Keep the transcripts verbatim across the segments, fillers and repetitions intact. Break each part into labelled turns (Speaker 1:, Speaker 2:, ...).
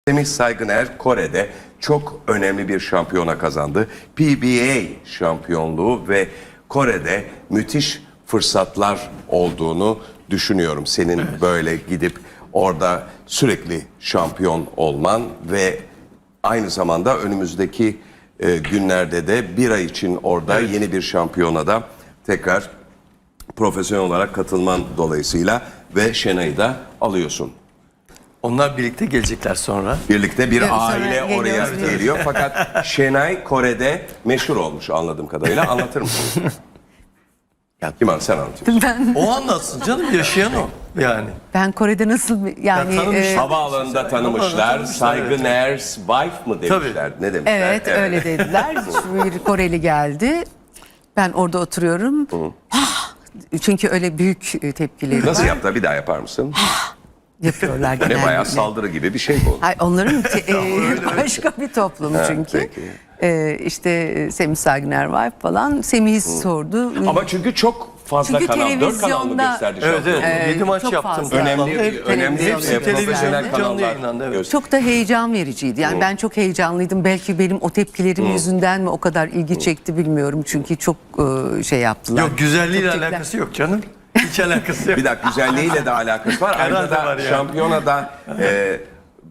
Speaker 1: Semih Saygıner Kore'de çok önemli bir şampiyona kazandı. P B A şampiyonluğu ve Kore'de müthiş fırsatlar olduğunu düşünüyorum. Senin evet. böyle gidip orada sürekli şampiyon olman ve aynı zamanda önümüzdeki e, günlerde de bir ay için orada evet. yeni bir şampiyona da tekrar profesyonel olarak katılman dolayısıyla ve Şenay'ı da alıyorsun.
Speaker 2: Onlar birlikte gelecekler sonra.
Speaker 1: Birlikte bir
Speaker 3: Evet,
Speaker 1: aile oraya geliyor. Fakat Şenay Kore'de meşhur olmuş anladığım kadarıyla. Anlatır mısın? Kim sen anlatıyorsun.
Speaker 3: Ben,
Speaker 2: O anlatsın canım, yaşayan o yani.
Speaker 3: ben Kore'de nasıl bir- yani
Speaker 2: Ya tanımış-
Speaker 3: e,
Speaker 1: Havaalanında tanımışlar. Saygıner's wife mı demişler? Ne demişler?
Speaker 3: evet, öyle dediler. Şu bir Koreli geldi. Ben orada oturuyorum. Ah! Çünkü öyle büyük e, tepkileri
Speaker 1: Nasıl
Speaker 3: var.
Speaker 1: yaptı? Bir daha yapar mısın?
Speaker 3: Yapıyorlar genellikle.
Speaker 1: Ne bayağı saldırı gibi bir şey bu.
Speaker 3: Hayır, onların te- e, başka bir toplum çünkü.
Speaker 1: peki.
Speaker 3: E, işte Semih Saygıner var falan. Semih'i sordu.
Speaker 1: Ama çünkü çok fazla
Speaker 3: Çünkü
Speaker 1: kanal, dört kanal mı
Speaker 3: televizyonda-
Speaker 1: gösterdi
Speaker 2: Evet
Speaker 1: şampiyonu?
Speaker 2: evet.
Speaker 3: Ee,
Speaker 2: Yedi maç
Speaker 3: çok
Speaker 2: yaptım.
Speaker 3: fazla.
Speaker 1: Önemli,
Speaker 2: Hep-
Speaker 1: önemli
Speaker 2: hepsi
Speaker 1: e, profesyonel
Speaker 2: televizyonda canlı
Speaker 1: kanallar
Speaker 2: yayınlandı. Evet.
Speaker 1: göster-
Speaker 3: Çok da heyecan vericiydi. Yani ben çok heyecanlıydım. Belki benim o tepkilerim yüzünden mi o kadar ilgi çekti bilmiyorum. Çünkü çok e, şey yaptılar.
Speaker 2: Yok, güzelliğiyle
Speaker 3: Çok tepkiler-
Speaker 2: alakası yok canım. Hiç alakası yok.
Speaker 1: Bir dakika, güzelliğiyle de alakası var. Ayrıca
Speaker 2: Herhalde
Speaker 1: da
Speaker 2: var yani.
Speaker 1: şampiyonada e,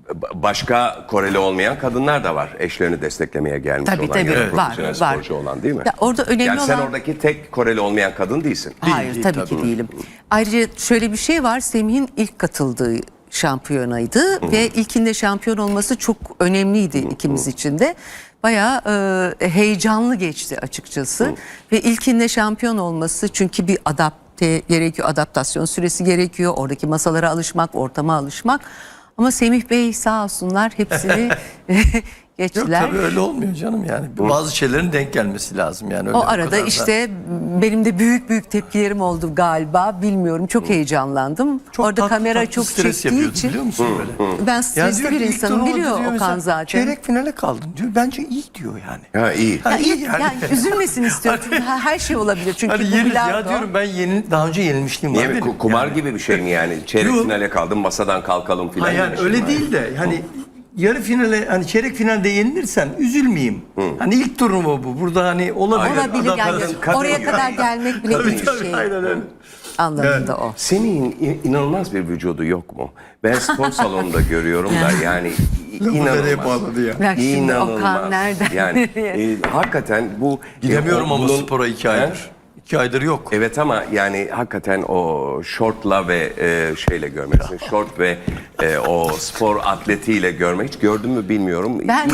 Speaker 1: başka Koreli olmayan kadınlar da var. Eşlerini desteklemeye gelmiş
Speaker 3: Tabii,
Speaker 1: olan
Speaker 3: tabii.
Speaker 1: ya da
Speaker 3: Evet.
Speaker 1: profesyonel
Speaker 3: Var, var.
Speaker 1: sporcu olan değil mi?
Speaker 3: Ya orada önemli
Speaker 1: yani sen
Speaker 3: olan-
Speaker 1: oradaki tek Koreli olmayan kadın değilsin.
Speaker 3: Hayır
Speaker 2: değil,
Speaker 3: tabii,
Speaker 2: tabii.
Speaker 3: ki değilim. Ayrıca şöyle bir şey var. Semih'in ilk katıldığı şampiyonaydı ve ilkinde şampiyon olması çok önemliydi ikimiz için de. Bayağı e, heyecanlı geçti açıkçası. Ve ilkinde şampiyon olması çünkü bir adapte gerekiyor, adaptasyon süresi gerekiyor. Oradaki masalara alışmak, ortama alışmak. Ama Semih Bey sağ olsunlar hepsini
Speaker 2: Yok
Speaker 3: geçtiler.
Speaker 2: tabii öyle olmuyor canım yani. Bazı şeylerin denk gelmesi lazım yani. Öyle
Speaker 3: O
Speaker 2: bu
Speaker 3: arada
Speaker 2: kadar da-
Speaker 3: işte benim de büyük büyük tepkilerim oldu galiba. Bilmiyorum, çok heyecanlandım.
Speaker 2: Çok
Speaker 3: Orada
Speaker 2: tatlı
Speaker 3: kamera
Speaker 2: tatlı
Speaker 3: çok
Speaker 2: stres
Speaker 3: çektiği
Speaker 2: yapıyordu,
Speaker 3: için
Speaker 2: biliyor musun böyle?
Speaker 3: ben
Speaker 2: Yani
Speaker 3: stresli
Speaker 2: diyor
Speaker 3: bir
Speaker 2: ki ilk
Speaker 3: insanım,
Speaker 2: turnuva
Speaker 3: biliyor
Speaker 2: diyor
Speaker 3: Okan
Speaker 2: mesela,
Speaker 3: zaten.
Speaker 2: Çeyrek finale kaldın diyor. Bence iyi diyor yani.
Speaker 1: Ha iyi.
Speaker 2: Ha,
Speaker 3: Ya,
Speaker 2: iyi
Speaker 3: yani.
Speaker 2: yani.
Speaker 3: üzülmesin istiyorum çünkü her her şey olabilir. Çünkü
Speaker 2: Hani
Speaker 3: bu
Speaker 2: yeni,
Speaker 3: bilardo.
Speaker 2: ya diyorum ben yeni, daha önce yenilmişliğim var
Speaker 1: Niye mi?
Speaker 2: benim.
Speaker 1: Ku- Kumar
Speaker 2: yani.
Speaker 1: gibi bir şey mi yani? Çeyrek
Speaker 2: Yok.
Speaker 1: finale kaldım, masadan kalkalım filan.
Speaker 2: Ha yani
Speaker 1: demiştim
Speaker 2: öyle
Speaker 1: ben.
Speaker 2: değil de hani yarı finale, hani çeyrek finalde yenilirsen üzülmeyeyim. Hani ilk turnuva bu. Burada hani olabilir.
Speaker 3: Olabilir
Speaker 2: Adam-
Speaker 3: yani.
Speaker 1: kadın- kadın
Speaker 3: Oraya
Speaker 1: gibi.
Speaker 3: kadar gelmek bile
Speaker 2: Tabii
Speaker 3: iyi bir
Speaker 2: tabii,
Speaker 3: şey.
Speaker 2: aynen öyle.
Speaker 3: Anlamında o.
Speaker 1: Semih'in in- inanılmaz bir vücudu yok mu? Ben spor salonunda görüyorum da yani i-
Speaker 2: Lafı nereye
Speaker 1: inanılmaz.
Speaker 2: bağladı ya?
Speaker 3: Bak şimdi
Speaker 1: İnanılmaz.
Speaker 3: Okan nereden
Speaker 1: Yani
Speaker 3: nereye?
Speaker 1: e, hakikaten bu...
Speaker 2: Gidemiyorum
Speaker 1: e,
Speaker 2: ama
Speaker 1: bunun-
Speaker 2: spora iki
Speaker 1: He?
Speaker 2: aydır. İki aydır yok.
Speaker 1: Evet ama yani hakikaten o şortla ve e, şeyle görmeksin. Şort ve e, o spor atletiyle görmek. Hiç gördün mü bilmiyorum.
Speaker 3: Ben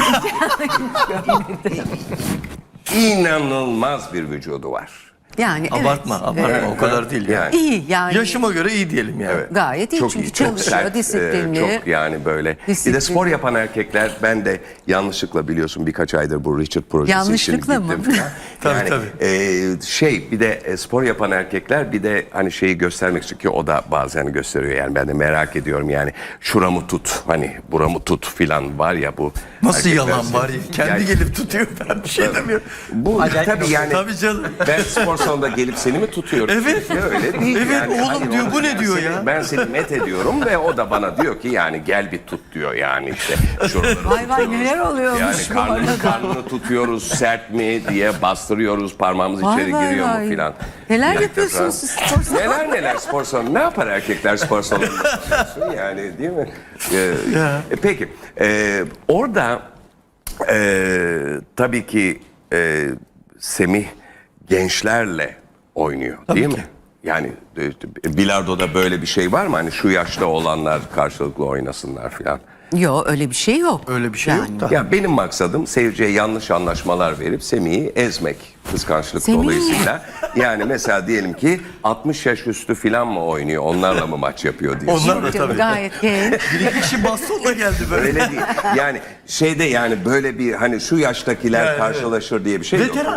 Speaker 1: İnanılmaz bir vücudu var.
Speaker 3: yani evet.
Speaker 2: Abartma, abartma.
Speaker 3: Evet.
Speaker 2: O kadar değil yani.
Speaker 1: Yani.
Speaker 3: İyi yani.
Speaker 2: Yaşıma göre iyi diyelim yani.
Speaker 3: Gayet iyi
Speaker 1: Çok
Speaker 3: çünkü
Speaker 1: iyi, çok
Speaker 3: çalışıyor,
Speaker 1: sert,
Speaker 3: disiplinli.
Speaker 1: e, çok yani böyle. Bir
Speaker 3: Disiplin.
Speaker 1: de spor yapan erkekler, ben de yanlışlıkla biliyorsun birkaç aydır bu Richard projesi
Speaker 3: Yanlışlıkla
Speaker 1: için
Speaker 3: mı?
Speaker 1: gittim falan.
Speaker 2: Tabii,
Speaker 1: yani,
Speaker 2: tabii.
Speaker 1: e, şey bir de e, spor yapan erkekler bir de hani şeyi göstermek istiyor ki o da bazen gösteriyor yani ben de merak ediyorum yani şuramı tut hani buramı tut filan var ya bu.
Speaker 2: Nasıl
Speaker 1: erkekler-
Speaker 2: yalan var ya? Kendi
Speaker 1: Yani
Speaker 2: gelip tutuyor, ben bir şey demiyorum.
Speaker 1: bu tabii yani
Speaker 2: Tabii canım.
Speaker 1: ben spor salonunda gelip seni mi tutuyorum?
Speaker 2: Evet.
Speaker 1: Ya öyle değil
Speaker 2: Evet,
Speaker 1: yani.
Speaker 2: oğlum
Speaker 1: Hayır,
Speaker 2: diyor,
Speaker 1: onu-
Speaker 2: bu ne
Speaker 1: ben
Speaker 2: diyor
Speaker 1: seni-
Speaker 2: ya?
Speaker 1: Ben seni met ediyorum ve o da bana diyor ki yani gel bir tut diyor yani işte. Şuraları
Speaker 3: Vay vay neler oluyormuş
Speaker 1: yani
Speaker 3: bu
Speaker 1: karnını,
Speaker 3: arada.
Speaker 1: karnını tutuyoruz sert mi diye bastırıyoruz parmağımız
Speaker 3: Vay
Speaker 1: içeri
Speaker 3: vay
Speaker 1: giriyor
Speaker 3: vay.
Speaker 1: mu filan.
Speaker 3: Neler
Speaker 1: Bir
Speaker 3: yapıyorsunuz
Speaker 1: dakika.
Speaker 3: siz spor salonu?
Speaker 1: Neler neler spor salonu. Ne yapar erkekler spor salonunda yapıyorsun yani değil mi? Ee, e, peki e, orada e, tabii ki e, Semih gençlerle oynuyor değil mi? Yani e, bilardoda böyle bir şey var mı? Hani şu yaşta olanlar karşılıklı oynasınlar filan.
Speaker 3: Yok öyle bir şey yok.
Speaker 2: Öyle bir şey
Speaker 3: Yani.
Speaker 2: yok da.
Speaker 1: Ya benim maksadım seyirciye yanlış anlaşmalar verip Semih'i ezmek kıskançlık
Speaker 3: Semih.
Speaker 1: dolayısıyla. Yani mesela diyelim ki altmış yaş üstü filan mı oynuyor onlarla mı maç yapıyor diye.
Speaker 2: Onlar da
Speaker 3: Canım,
Speaker 2: tabii.
Speaker 3: gayet genç.
Speaker 2: Bir iki kişi bastonla geldi böyle.
Speaker 1: Öyle değil. Yani şeyde yani böyle bir hani şu yaştakiler
Speaker 2: Yani,
Speaker 1: karşılaşır diye bir şey yok.
Speaker 2: Veteran.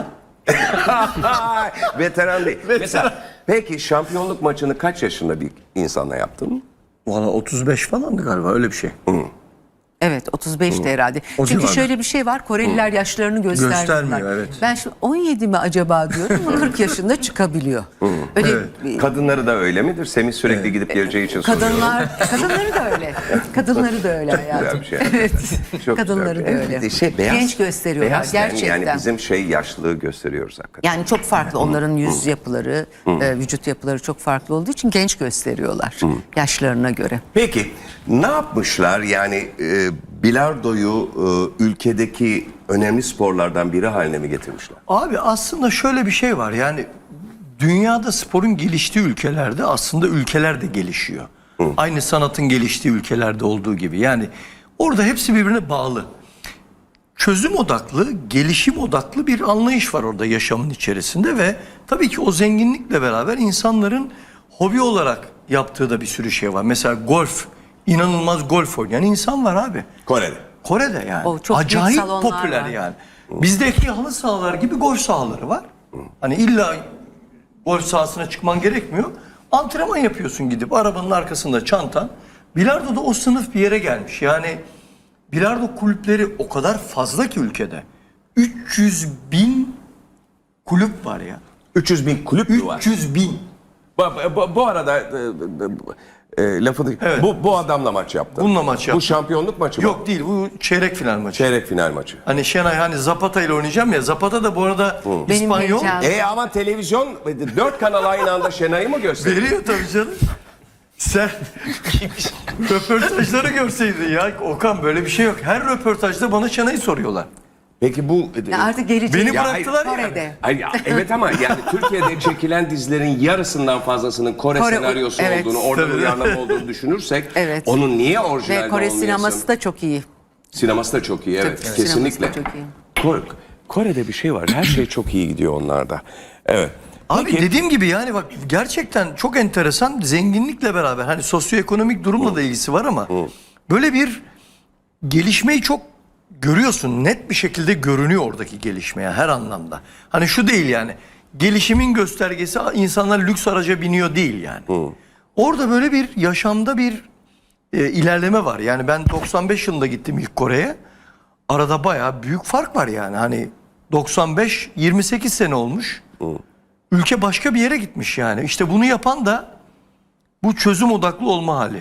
Speaker 1: Veteran değil. Mesela peki şampiyonluk maçını kaç yaşında bir insanla yaptın?
Speaker 2: Valla otuz beş falandı galiba, öyle bir şey.
Speaker 3: Evet otuz beşti herhalde.
Speaker 2: O
Speaker 3: Çünkü
Speaker 2: civarda.
Speaker 3: şöyle bir şey var. Koreliler yaşlarını göstermiyorlar.
Speaker 2: Göstermiyor, evet.
Speaker 3: Ben şimdi on yedi mi acaba diyorum ama kırk yaşında çıkabiliyor. Öyle bir-
Speaker 1: Kadınları da öyle midir? Semih sürekli gidip geleceği için soruyorum.
Speaker 3: kadınlar kadınları da öyle. Kadınları da öyle hayatım.
Speaker 1: Güzel bir şey.
Speaker 3: Evet.
Speaker 1: Çok
Speaker 3: Kadınları
Speaker 1: güzel.
Speaker 3: da öyle.
Speaker 1: Evet, şey, beyaz,
Speaker 3: Genç gösteriyorlar
Speaker 1: beyaz ten,
Speaker 3: gerçekten.
Speaker 1: Yani bizim şey yaşlılığı gösteriyoruz hakikaten.
Speaker 3: Yani çok farklı onların yüz yapıları, e, vücut yapıları çok farklı olduğu için genç gösteriyorlar yaşlarına göre.
Speaker 1: Peki ne yapmışlar? Yani e, bilardoyu e, ülkedeki önemli sporlardan biri haline mi getirmişler?
Speaker 2: Abi aslında şöyle bir şey var, yani dünyada sporun geliştiği ülkelerde aslında ülkeler de gelişiyor. Aynı sanatın geliştiği ülkelerde olduğu gibi. Yani orada hepsi birbirine bağlı. Çözüm odaklı, gelişim odaklı bir anlayış var orada yaşamın içerisinde ve tabii ki o zenginlikle beraber insanların hobi olarak yaptığı da bir sürü şey var. Mesela golf, inanılmaz golf oynayan insan var abi.
Speaker 1: Kore'de.
Speaker 2: Kore'de yani.
Speaker 3: O çok büyük
Speaker 2: acayip
Speaker 3: salonlar
Speaker 2: popüler
Speaker 3: var.
Speaker 2: yani. Bizdeki halı sahalar gibi golf sahaları var. Hani illa golf sahasına çıkman gerekmiyor. Antrenman yapıyorsun gidip arabanın arkasında çantan. Bilardo da o sınıf bir yere gelmiş. Yani bilardo kulüpleri o kadar fazla ki ülkede. üç yüz bin kulüp var ya.
Speaker 1: üç yüz bin kulüp mü var?
Speaker 2: üç yüz bin.
Speaker 1: Bu, bu, bu arada e, e, lafını
Speaker 2: Evet.
Speaker 1: bu, bu adamla maç yaptın.
Speaker 2: Bununla maç
Speaker 1: Bu
Speaker 2: yaptım.
Speaker 1: şampiyonluk maçı mı?
Speaker 2: Yok değil, bu çeyrek final maçı.
Speaker 1: Çeyrek final maçı.
Speaker 2: Hani Şenay hani Zapata ile oynayacağım ya. Zapata da bu arada
Speaker 3: Benim
Speaker 2: İspanyol.
Speaker 3: heyecanım.
Speaker 1: E ama televizyon dört kanal aynı anda Şenay'ı mı gösteriyor?
Speaker 2: Veriyor tabii canım. Sen röportajları görseydin ya. Okan böyle bir şey yok. Her röportajda bana Şenay'ı soruyorlar.
Speaker 1: Peki bu
Speaker 3: Ya artık gelecek.
Speaker 2: Beni
Speaker 1: Ya
Speaker 2: bıraktılar ya.
Speaker 3: Kore'de.
Speaker 1: Hayır, ya, evet ama yani Türkiye'de çekilen dizilerin yarısından fazlasının Kore,
Speaker 3: Kore-
Speaker 1: senaryosu
Speaker 3: evet.
Speaker 1: olduğunu, orada
Speaker 2: Tabii.
Speaker 1: uyarlama olduğunu düşünürsek
Speaker 3: Evet.
Speaker 1: onun niye orijinalde
Speaker 3: Ve Kore
Speaker 1: olmayasın?
Speaker 3: sineması da çok iyi.
Speaker 1: Sineması da çok iyi, evet,
Speaker 3: Tabii,
Speaker 1: kesinlikle.
Speaker 3: sineması da çok iyi.
Speaker 1: Kore- Kore'de bir şey var, her şey çok iyi gidiyor onlarda. Evet.
Speaker 2: Abi dediğim gibi yani bak gerçekten çok enteresan, zenginlikle beraber hani sosyoekonomik durumla da ilgisi var ama böyle bir gelişmeyi çok görüyorsun. Net bir şekilde görünüyor oradaki gelişme yani her anlamda. Hani şu değil yani gelişimin göstergesi insanlar lüks araca biniyor değil yani. Orada böyle bir yaşamda bir e, ilerleme var. Yani ben doksan beş yılında gittim ilk Kore'ye. Arada bayağı büyük fark var yani. Hani doksan beş yirmi sekiz sene olmuş. Ülke başka bir yere gitmiş yani. İşte bunu yapan da bu çözüm odaklı olma hali.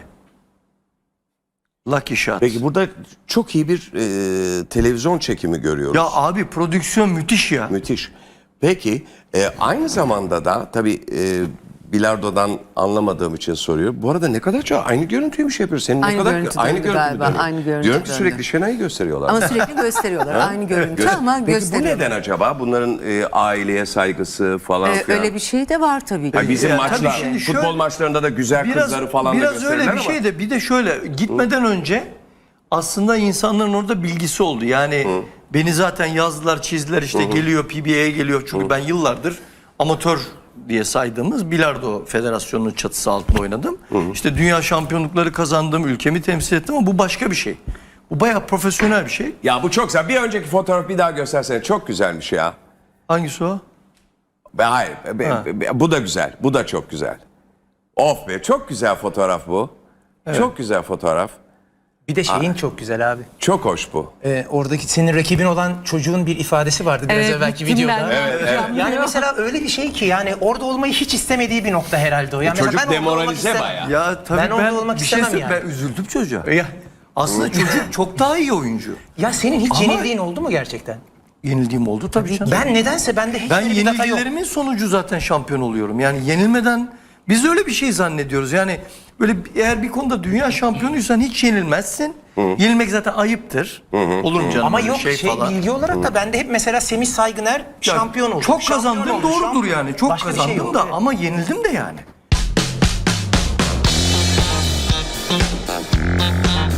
Speaker 2: Lucky Shot.
Speaker 1: Peki burada çok iyi bir e, televizyon çekimi görüyoruz.
Speaker 2: Ya abi prodüksiyon müthiş ya.
Speaker 1: Müthiş. Peki e, aynı zamanda da tabii e, bilardodan anlamadığım için soruyorum. Bu arada ne kadar çok aynı görüntüyü mü şey yapıyor? Senin
Speaker 3: Aynı
Speaker 1: ne kadar
Speaker 3: görüntü
Speaker 1: aynı
Speaker 3: döndü
Speaker 1: görüntü
Speaker 3: galiba,
Speaker 1: dönüyor.
Speaker 3: aynı görüntü
Speaker 1: Diyorum ki
Speaker 3: döndü.
Speaker 1: sürekli Şenay'ı gösteriyorlar.
Speaker 3: Ama sürekli gösteriyorlar. Aynı görüntü
Speaker 1: Göster-
Speaker 3: ama
Speaker 1: Peki bu
Speaker 3: gösteriyorlar.
Speaker 1: neden acaba? Bunların e, aileye saygısı falan
Speaker 3: Ee,
Speaker 1: filan.
Speaker 3: öyle bir şey de var tabii ki.
Speaker 1: Hayır, bizim
Speaker 2: Ya
Speaker 1: maçlar,
Speaker 2: tabii şimdi
Speaker 1: futbol
Speaker 2: şöyle-
Speaker 1: maçlarında da güzel kızları falan da
Speaker 2: biraz
Speaker 1: gösterirler
Speaker 2: öyle bir
Speaker 1: ama.
Speaker 2: şey de bir de şöyle gitmeden önce aslında insanların orada bilgisi oldu. Yani beni zaten yazdılar, çizdiler işte geliyor P B A'ye geliyor. Çünkü ben yıllardır amatör diye saydığımız Bilardo Federasyonu'nun çatısı altında oynadım. İşte dünya şampiyonlukları kazandım, ülkemi temsil ettim ama bu başka bir şey. Bu bayağı profesyonel bir şey.
Speaker 1: Ya bu çok güzel. Bir önceki fotoğrafı bir daha göstersene. Çok güzelmiş ya.
Speaker 2: Hangisi o?
Speaker 1: Be, hayır. be-
Speaker 2: Ha.
Speaker 1: be- bu da güzel. Bu da çok güzel. Of be. Çok güzel fotoğraf bu. Çok güzel fotoğraf.
Speaker 4: Bir de şeyin çok güzel abi.
Speaker 1: Çok hoş bu.
Speaker 4: Ee, oradaki senin rakibin olan çocuğun bir ifadesi vardı biraz
Speaker 3: Evet,
Speaker 4: evvelki
Speaker 3: gittim
Speaker 4: videoda.
Speaker 3: ben. Evet, evet.
Speaker 4: Yani mesela öyle bir şey ki yani orada olmayı hiç istemediği bir nokta herhalde o. Yani mesela
Speaker 1: Çocuk
Speaker 4: ben orada olmak
Speaker 1: demoralize
Speaker 4: istemem.
Speaker 1: bayağı.
Speaker 2: Ya tabii
Speaker 4: Ben
Speaker 2: ben,
Speaker 4: orada olmak
Speaker 2: bir şey
Speaker 4: istemem
Speaker 2: söyleyeyim,
Speaker 4: yani.
Speaker 2: ben üzüldüm çocuğa.
Speaker 4: Ya,
Speaker 2: Aslında çocuk çok daha iyi oyuncu.
Speaker 4: ya senin hiç
Speaker 2: Ama-
Speaker 4: yenildiğin oldu mu gerçekten?
Speaker 2: Yenildiğim oldu tabii canım.
Speaker 4: Ben nedense bende hiç
Speaker 2: Ben
Speaker 4: öyle bir data yok.
Speaker 2: yenilgilerimin sonucu zaten şampiyon oluyorum. Yani yenilmeden biz öyle bir şey zannediyoruz. Yani böyle eğer bir konuda dünya şampiyonuysan hiç yenilmezsin. Yenilmek zaten ayıptır. Olur mu canım?
Speaker 4: Ama
Speaker 2: öyle
Speaker 4: yok şey,
Speaker 2: falan.
Speaker 4: bilgi olarak da bende hep mesela Semih Saygıner
Speaker 2: Ya,
Speaker 4: şampiyon oldu.
Speaker 2: Çok
Speaker 4: Şampiyon
Speaker 2: kazandım
Speaker 4: oldu,
Speaker 2: doğrudur
Speaker 4: şampiyon.
Speaker 2: yani. Çok
Speaker 4: Başka bir şey
Speaker 2: kazandım
Speaker 4: yok,
Speaker 2: da
Speaker 4: evet.
Speaker 2: ama yenildim de yani.